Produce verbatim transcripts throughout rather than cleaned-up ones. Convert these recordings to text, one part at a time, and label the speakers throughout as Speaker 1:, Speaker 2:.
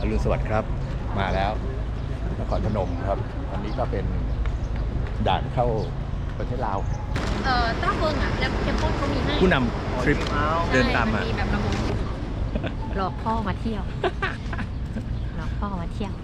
Speaker 1: รุณสวัสดิ์ครับมาแล้วนครพนมครับวันนี้ก็เป็นด่านเข้าประเทศลาว
Speaker 2: เอ่อต้าเฟิงอ่ะแล้วเข้มข้นเขามีให้
Speaker 1: ผู้นำทริปเดินตามมา
Speaker 2: แบบระบบหลอกพ่อมาเที่ยวหลอกพ่อมาเที่ยว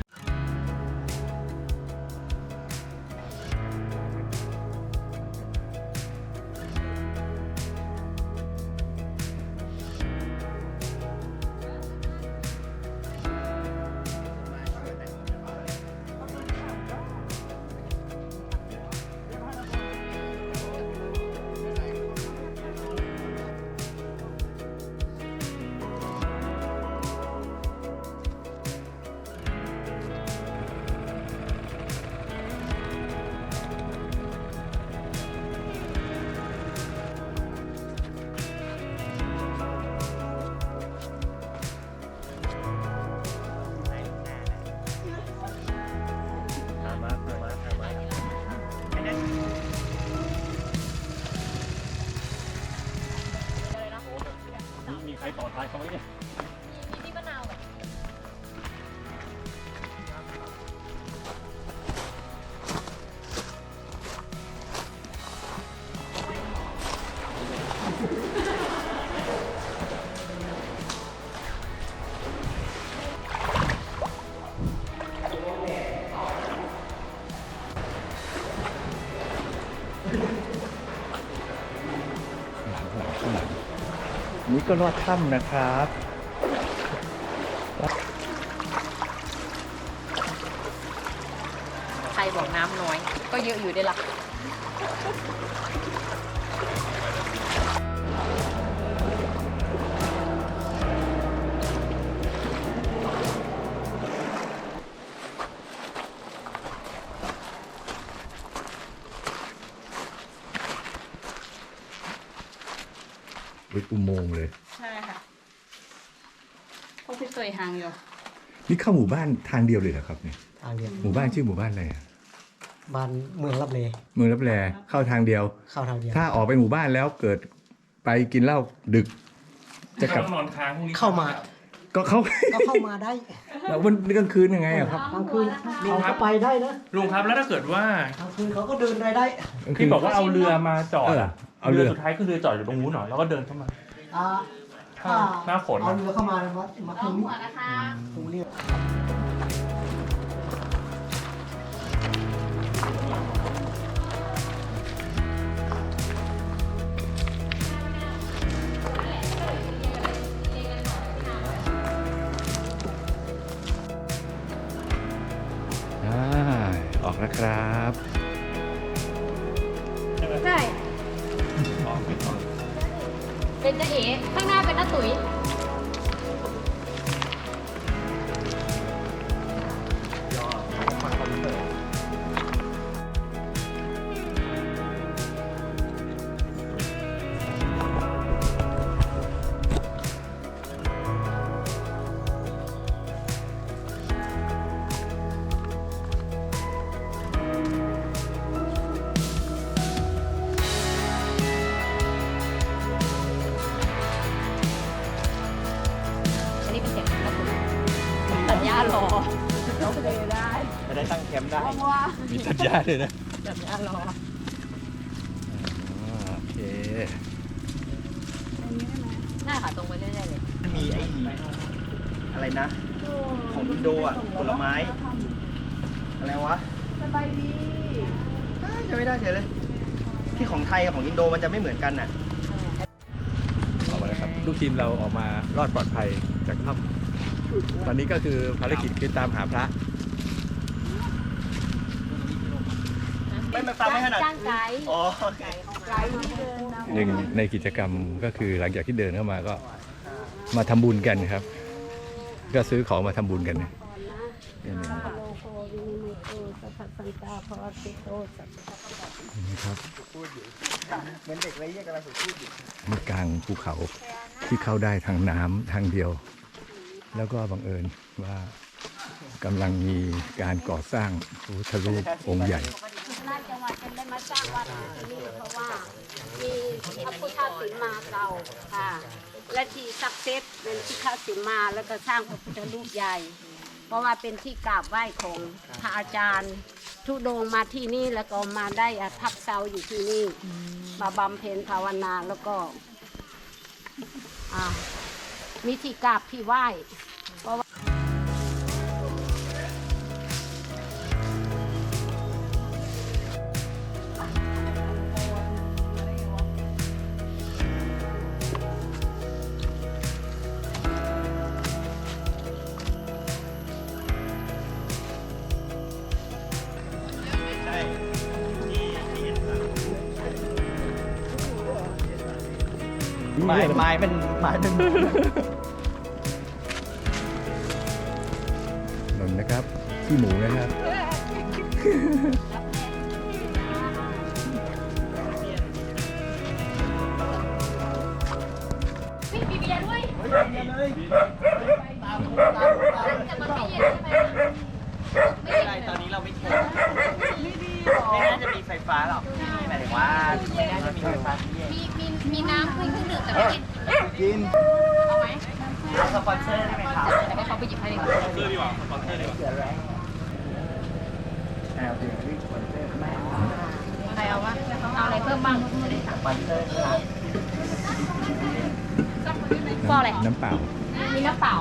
Speaker 1: มีใครต่อท้ายเขาไหมเนี่ย
Speaker 2: มีพี่มะนาวแบบ
Speaker 1: นี่ก็ลอดถ้ำนะครับ
Speaker 2: ใครบอกน้ำน้อยก็เยอะอยู่ได้ละ
Speaker 1: เป็นอุโมงค์เลย
Speaker 2: ใช่ค่ะพวกพี่เคยหางอยู่
Speaker 1: นี่เข้าหมู่บ้านทางเดียวเลยเหรอครับเนี่ย
Speaker 3: ทางเดียว
Speaker 1: หมู่บ้านชื่อหมู่บ้านอะไรอะ
Speaker 3: บ้านเมืองรับเล
Speaker 1: เมืองรับแลเข้าทางเดียว
Speaker 3: เข้าทางเดียว
Speaker 1: ถ้าออกไปหมู่บ้านแล้วเกิดไปกินเหล้าดึกจะกลับ
Speaker 4: นอนค้างพรุ่งนี้
Speaker 3: เข้ามา
Speaker 1: ก็เข้า
Speaker 3: ก็เข้ามาได้
Speaker 1: แล้ววันกลางคืนยังไงอะครับ
Speaker 3: กลางคืนเขาก็ไปได้นะ
Speaker 4: ลุงครับแล้วถ้าเกิดว่าก
Speaker 3: ลางคืนเขาก็เดินได้ได้
Speaker 4: ที่บอกว่าเอาเรือมาจอดอะ
Speaker 1: เอาเรือ
Speaker 4: สุดท้ายก็คือจอดอยู่ตรงนู้นหน่อยแล้วก็เดินเข้ามา
Speaker 3: อ่า
Speaker 4: หน้าฝน
Speaker 3: เอาเรือเข้ามามามาตรงนี้ตรงนี้
Speaker 1: ออกแล้วครับ
Speaker 2: ใช่เป็นจะเอ๋ข้างหน้าเป็นน้าตุ๋ยสัญญารอโอเคได้
Speaker 4: จะได้ตั้งแคมป์ได้
Speaker 1: มีสัญญาเลยนะ
Speaker 2: สัญญารอ
Speaker 1: โอเค
Speaker 2: น่าค่ะตรงไปเรื่อยๆเลย
Speaker 3: มีไอ้อะไรนะของอินโดอ่ะผลไม้อะไรวะสบายดีจะไม่ได้เฉยเลยที่ของไทยกับของอินโดมันจะไม่เหมือนกันน่ะ
Speaker 1: ออกมาแล้วครับลูกทีมเราออกมารอดปลอดภัยจากถ้ำตอนนี้ก็คือภารกิจคือตามหาพระ
Speaker 3: ไม่มาตามไม่ขนาด
Speaker 2: จ้างไกด์
Speaker 3: อ๋อ
Speaker 1: หนึ่งในกิจกรรมก็คือหลังจากที่เดินเข้ามาก็มาทำบุญกันครับก็ซื้อของมาทำบุญกันนี่ครับ
Speaker 3: เหมือนเด็กไรเรียกอะไรผมพูดอยู่
Speaker 1: มีกลางภูเขาที่เข้าได้ทางน้ำทางเดียวแล้วก็บังเอิญว่ากำลังมีการก่อสร้างพระพุทธรูปองค์ใหญ่
Speaker 5: น่าจังหวัดจะได้มาสร้างวัดที่นี่เพราะว่ามีพระพุทธศิลป์มาเก่าค่ะและที่ศักดิ์สิทธิ์เป็นที่เข้าสิมาแล้วก็สร้างพระพุทธรูปใหญ่ เพราะว่าเป็นที่กราบไหว้ของพระอาจารย์ทุดงค์มาที่นี่แล้วก็มาได้พักเซาอยู่ที่นี่มาบำเพ็ญภาวนาแล้วก็อ่ามีที่กราบที่ไหว้เพราะว่า
Speaker 3: ไม้ไม้มันไม้มัน
Speaker 1: นนนะครับขี้หมูนะครับ
Speaker 2: มีเบียร์ด้วยจะมาไม่เย็นใช่ไหม
Speaker 3: ไม่เป็นไรตอนนี้เราไม่ถึงไม่น่าจะมีไฟฟ้าหรอกหมายถึงว่าไม่น่าจะมีไฟฟ้าที่เย็น
Speaker 2: มีมีมีน้ำเครื่องดื่มแต่ไม่กิน
Speaker 3: กิน
Speaker 2: เอาไหม
Speaker 3: เอาสปอนเซอร์ได้ไหมครับ
Speaker 2: เดี๋ยวให้เขาไปหยิบให้ดีกว่า
Speaker 4: ซื้อดีกว่าสปอนเซอร์ดีกว่า
Speaker 3: เสือแรงแอลเป็นรีสปอนเซอร์ไหม
Speaker 2: ใครเอาวะเอาอะไรเพิ่มบ้าง
Speaker 3: สปอนเซอร์ครับ
Speaker 2: ฟออะไร
Speaker 1: น้ำเปล่า
Speaker 2: มีน้ำเปล่า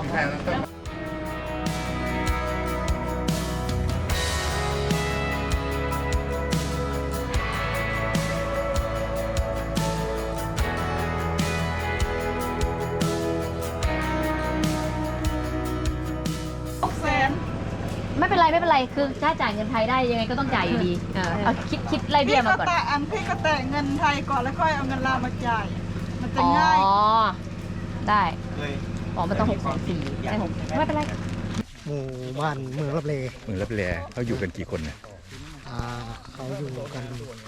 Speaker 2: ไม่เป็นไรไม่เป็นไรคือถ้าจ่ายเงินไทยได้ยังไงก็ต้องจ่ายอยู่ดีเออเอาคิดคิดไล่เบี้ยมาก่อน
Speaker 6: พี่แตะอันพี่ก็แตะเงินไทยก่อนแล้วค่อยเอาเงินลาวมาจ่าย มันจะ
Speaker 2: อ๋อ
Speaker 6: ง่าย
Speaker 2: ได้
Speaker 3: เลย
Speaker 2: อ๋อมันต้องหกแสนสี่ได้หกไม่เป็นไร
Speaker 7: หมู่บ้านเมืองรับเล
Speaker 1: เมืองรับแลเขาอยู่กันกี่คนนะ
Speaker 7: อ่าเขาอยู่กัน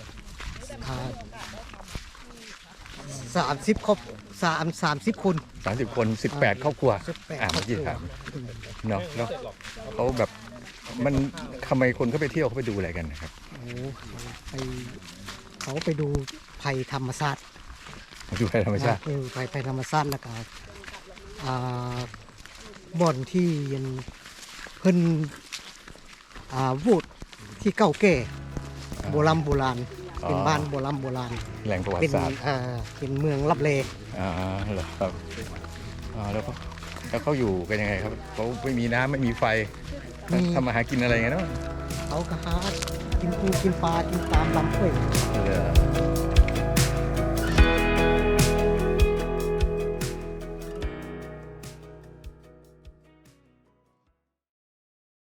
Speaker 7: สามสิบครอบสามสามสิบคน
Speaker 1: สามสิบคนสิบแปดครอบครัว
Speaker 7: สิบแปด
Speaker 1: อ่า
Speaker 7: คร
Speaker 1: เมื่
Speaker 7: อ
Speaker 1: อบ กี้
Speaker 7: ครัว
Speaker 1: ถามเนาะแล้วเขาแบบมันทำไมคนเขาไปเที่ยวเขาไปดูอะไรกันนะครับ
Speaker 7: โอ้ไปเขาไปดูภัยธรรมชาติ
Speaker 1: ดูอะไรธรรมชาติ
Speaker 7: เออภัยภัยธรรมชาติแล้วก็อ่าบ่อนที่ยังเพิ่นอ่าวูดที่เก่าแก่โบราณโบราณเป็นบ้านโบราณโบราณ
Speaker 1: แหล่งประวั
Speaker 7: เป็น
Speaker 1: ติศาสตร์
Speaker 7: อ่าเป็นเมืองรับเล
Speaker 1: อ่าเหรอครับอ่าแล้วเขาแล้วเขาอยู่กันยังไงครับเขาไม่มีน้ำไม่มีไฟ
Speaker 7: มี
Speaker 1: ทำมาหากินอะไรกันเนาะ
Speaker 7: เขาก็หากินปูกินปลากินตามลำห้วย
Speaker 1: เหรอ